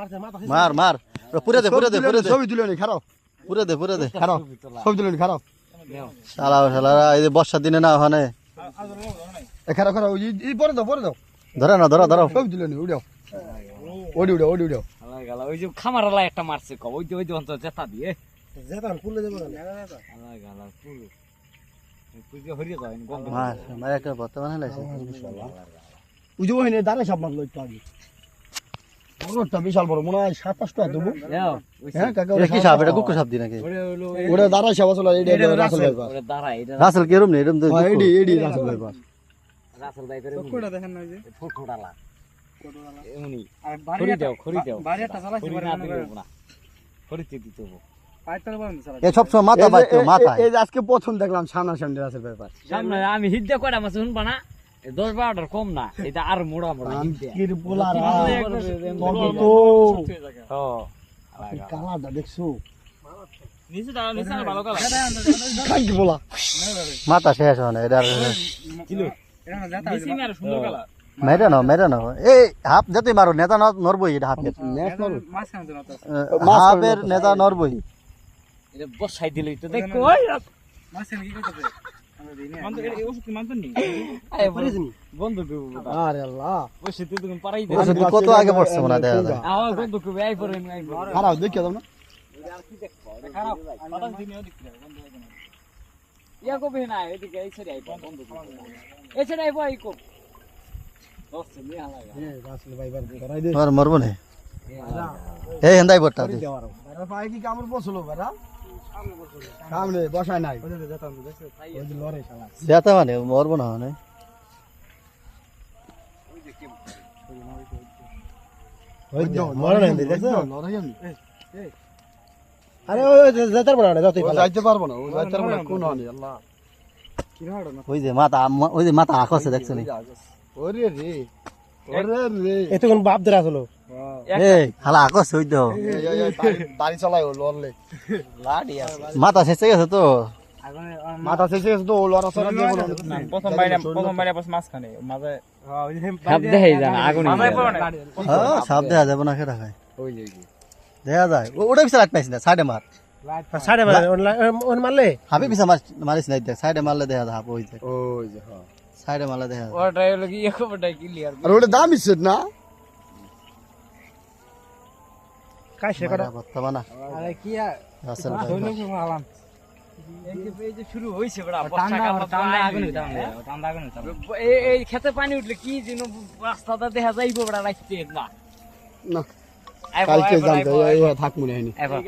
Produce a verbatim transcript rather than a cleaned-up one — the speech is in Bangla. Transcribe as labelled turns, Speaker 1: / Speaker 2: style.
Speaker 1: মার মার পুরে দে পুরে দে পুরে দে
Speaker 2: ছবি তুলে নি খারাপ
Speaker 1: পুরে দে পুরে দে
Speaker 2: খারাপ ছবি তুলে নি খারাপ
Speaker 1: শালা শালারা এই যে বর্ষার দিনে না ওখানে
Speaker 2: এ খারাপ খারাপ এই পরে দাও পরে দাও
Speaker 1: ধরে না ধরো ধরো
Speaker 2: ছবি তুলে নি উড়াও ওডি উড়াও ওডি উড়াও
Speaker 3: আলাই গালা ওই যে খামারালা একটা মারছে ক ওই যে ওই যে অন্তর জেতা দিয়ে
Speaker 4: যেতাম পুলে দেব না
Speaker 3: আলাই গালা পুল পুজো হরিয়ে যায় গন্ধ
Speaker 1: মার মার একটা বর্তমানে লাইছে
Speaker 2: ওই যে ওখানে দাঁড়ায় সব মারলো একটু আগে বড়টা বিশাল বড় মনে হয় সাত পাঁচটা দেবো হ্যাঁ কাকা
Speaker 1: এটা কি সাপ এটা কুকুর সাপ দি নাকি
Speaker 2: ওটা দাঁড়ায় সব আসলে এটা রাসেল ভাইপার
Speaker 3: ওরে দাঁড়া এটা
Speaker 1: রাসেল কি এরম নেই এরম তো
Speaker 2: হ্যাঁ এডি এডি রাসেল ভাইপার
Speaker 3: রাসেল ভাইপার
Speaker 4: কোটা দেখেন না ওই যে
Speaker 3: ফটোডালা
Speaker 4: কোটালা
Speaker 3: এমনি
Speaker 4: আর
Speaker 3: খড়ি
Speaker 4: বাড়ি
Speaker 3: দাও খড়ি দাও
Speaker 4: বাড়ি একটা চালাইছে
Speaker 3: খড়ি
Speaker 4: বাড়ি
Speaker 3: না
Speaker 4: না
Speaker 3: দিও না খড়িতে দিতে হবে
Speaker 4: পাইতার বন্ধ চালাইছে
Speaker 1: এ সব সময় মাথা বাইতো মাথা
Speaker 2: এই যে আজকে প্রথম দেখলাম সামনা সামনে রাসেল ভাইপার
Speaker 3: সামনে আমি হিদ্দা কয়টা মাছ শুনবা না দশ বারোটার কম না এটা আর মোড়া মোড়া হিদ্দা
Speaker 2: কির পোলার
Speaker 3: ও
Speaker 2: কালাটা দেখছো
Speaker 4: নিচে দাঁড়া নিচে ভালো কালা
Speaker 2: কাকি পোলা
Speaker 1: মাথা শেষ হয় না এটা
Speaker 4: কিলো এটা না যেতা নিচে আর সুন্দর কালা
Speaker 1: মেরে না মেরে না এই হাফ যতই মারো নেতা নরবই এটা হাফের
Speaker 2: ন্যাশনাল
Speaker 4: মাছ খাওয়া না
Speaker 1: হাফের নেতা নরবই
Speaker 3: এটা বসাই দিলই তো দেখো ওই
Speaker 4: মাছ কি করতে আমরা দিই না মান তো এই ওষুধ কি মানতেন নি
Speaker 3: আয় বন্ধু কো
Speaker 2: আরে আল্লাহ
Speaker 3: বসে তুই তুমি পারাই দে
Speaker 1: ওষুধ কত আগে পড়ছে মনে হয় দেখা যায়
Speaker 3: আমার বন্ধু কো আই পরে আই পরে
Speaker 2: খারাপ দেখিয়ে দাও না
Speaker 4: খারাপ বাতাস দিনে ওদিক থেকে বন্ধ হয়ে গেল
Speaker 3: ইয়া কো বে না এদিকে এই ছেড়ে আই বন্ধু কো এই ছেড়ে আই বই কো দোস্ত নি হালাগা
Speaker 2: এ রাসেল ভাইপার ধরাই দে
Speaker 1: আর মরবো না এই হেন্দাই বটটা দি
Speaker 2: আরে ভাই কি কামড় বসলো বেটা সামনে বসায় নাই
Speaker 4: ওই যে যেতাম তো দেখছো
Speaker 2: ওই যে লড়ে শালা
Speaker 1: যেতে মানে মরবো না মানে
Speaker 2: ওই যে মরে নাই দেখছো লড়াই আমি আরে ওই যেতে পারবো না যতই যাইতে পারবো না ও যাইতে পারবো না কোন হনি আল্লাহ
Speaker 4: কি হাড় না
Speaker 1: ওই যে মাথা ওই যে মাথা আকাশে দেখছো নি
Speaker 2: ওরে রে ওরে রে
Speaker 4: এত কোন বাপ ধরে আসলো
Speaker 1: এই খালা আকাশ হই তো
Speaker 2: বাড়ি চালাই ও লড়লে
Speaker 3: লাডি আছে
Speaker 1: মাথা শেষে গেছে তো
Speaker 2: মাথা শেষে গেছে তো ও লড়া সরা দিয়ে বলো
Speaker 4: প্রথম বাইরে প্রথম বাইরে বস মাছ খানে মাঝে
Speaker 3: সব দেখাই জানা আগুন
Speaker 4: মাথায় পড়ে না
Speaker 1: হ্যাঁ সাপ দেখা যাবে না সেটা খায়
Speaker 2: ওই যে
Speaker 1: দেখা যায় ও- ওটা পিছা রাখ পাইছ না সাইডে মার
Speaker 4: সাড়ে মারে ওন মারলে
Speaker 1: হাবি পিছা মার মারিস নাই দেখ সাইডে মারলে দেখা যায় হাপ ওই যে
Speaker 2: ওই যে হ্যাঁ
Speaker 1: সাইডে মারলে দেখা যায়
Speaker 3: ওটাই হলো কি এক বড়াই ক্লিয়ার
Speaker 2: আর ওটা দাম ইচ্ছে না
Speaker 4: কাই সে করা
Speaker 1: বর্তমানে
Speaker 3: আরে কি
Speaker 1: রাসেল
Speaker 4: আলাম
Speaker 3: এই যে এই যে শুরু হইছে বড়া
Speaker 4: ঠান্ডা
Speaker 3: বর্ষাকাল
Speaker 4: ঠান্ডা
Speaker 3: ঠান্ডা
Speaker 4: আগুন
Speaker 3: আগুন
Speaker 4: ঠান্ডা ঠান্ডা আগুন
Speaker 3: এই এই খেতে পানি উঠলে কি যেন রাস্তাটা দেখা যাইবো বড়া রাখতে না
Speaker 2: না
Speaker 3: আইবো,
Speaker 2: কালকে
Speaker 3: আইবো,
Speaker 2: জানতে
Speaker 3: আইবো,
Speaker 2: থাক মনে হয়নি
Speaker 3: আইবো।